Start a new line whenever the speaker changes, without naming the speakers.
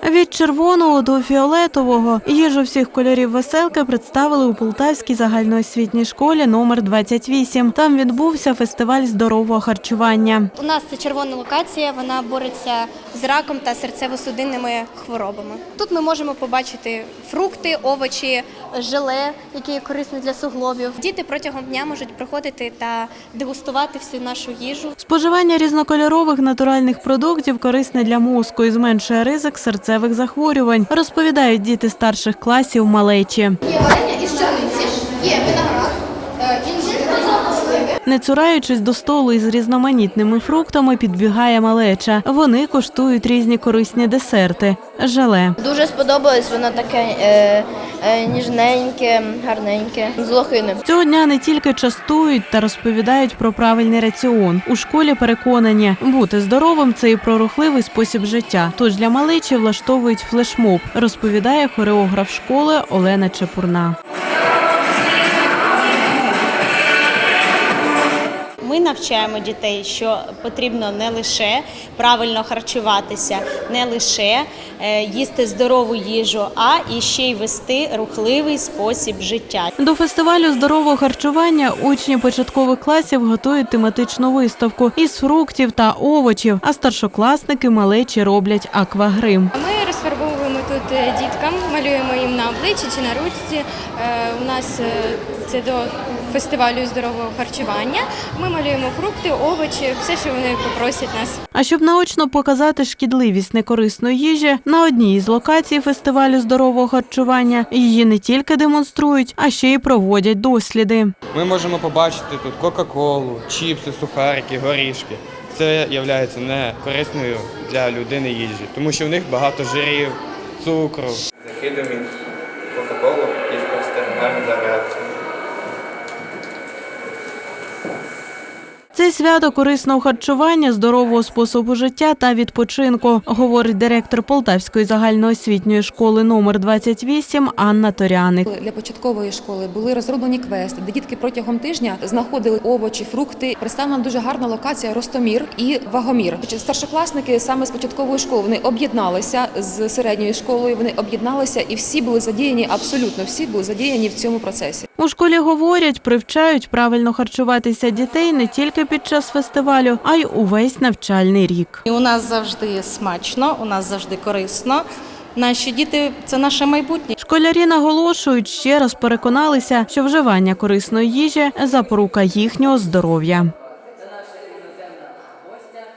Від червоного до фіолетового їжу всіх кольорів веселки представили у Полтавській загальноосвітній школі номер 28. Там відбувся фестиваль здорового харчування.
У нас це червона локація, вона бореться з раком та серцево-судинними хворобами. Тут ми можемо побачити фрукти, овочі, желе, які є корисні для суглобів. Діти протягом дня можуть приходити та дегустувати всю нашу їжу.
Споживання різнокольорових натуральних продуктів корисне для мозку і зменшує ризик серцевих захворювань, розповідають діти старших класів малечі.
Є варення із пшениці, є виноград, інжир, сливи.
Не цураючись до столу із різноманітними фруктами, підбігає малеча. Вони коштують різні корисні десерти – желе.
Дуже сподобалось, воно таке ніжненьке, гарненьке, з лохини.
Цього дня не тільки частують та розповідають про правильний раціон. У школі переконані, бути здоровим – це і про рухливий спосіб життя. Тож для малечі влаштовують флешмоб, розповідає хореограф школи Олена Чепурна.
Ми навчаємо дітей, що потрібно не лише правильно харчуватися, не лише їсти здорову їжу, а і ще й вести рухливий спосіб життя.
До фестивалю здорового харчування учні початкових класів готують тематичну виставку із фруктів та овочів, а старшокласники малечі роблять аквагрим.
Ми розфарбовуємо тут діткам, малюємо їм на обличчі чи на ручці. У нас це до фестивалю здорового харчування. Ми малюємо фрукти, овочі, все, що вони попросять нас.
А щоб наочно показати шкідливість некорисної їжі, на одній із локацій фестивалю здорового харчування її не тільки демонструють, а ще й проводять досліди.
Ми можемо побачити тут кока-колу, чіпси, сухарики, горішки. Це є не корисною для людини їжі, тому що в них багато жирів, цукру. Закидуємо кока-колу і спостерігаємо за реакцією.
Це свято корисного харчування, здорового способу життя та відпочинку, говорить директор Полтавської загальноосвітньої школи номер 28 Анна Торяник.
Для початкової школи були розроблені квести, де дітки протягом тижня знаходили овочі, фрукти. Представлена дуже гарна локація «Ростомір» і «Вагомір». Старшокласники саме з початкової школи вони об'єдналися з середньою школою, вони об'єдналися і всі були задіяні, абсолютно всі були задіяні в цьому процесі.
У школі говорять, привчають правильно харчуватися дітей не тільки під час фестивалю, а й увесь навчальний рік.
У нас завжди смачно, у нас завжди корисно. Наші діти – це наше майбутнє.
Школярі наголошують, ще раз переконалися, що вживання корисної їжі – запорука їхнього здоров'я.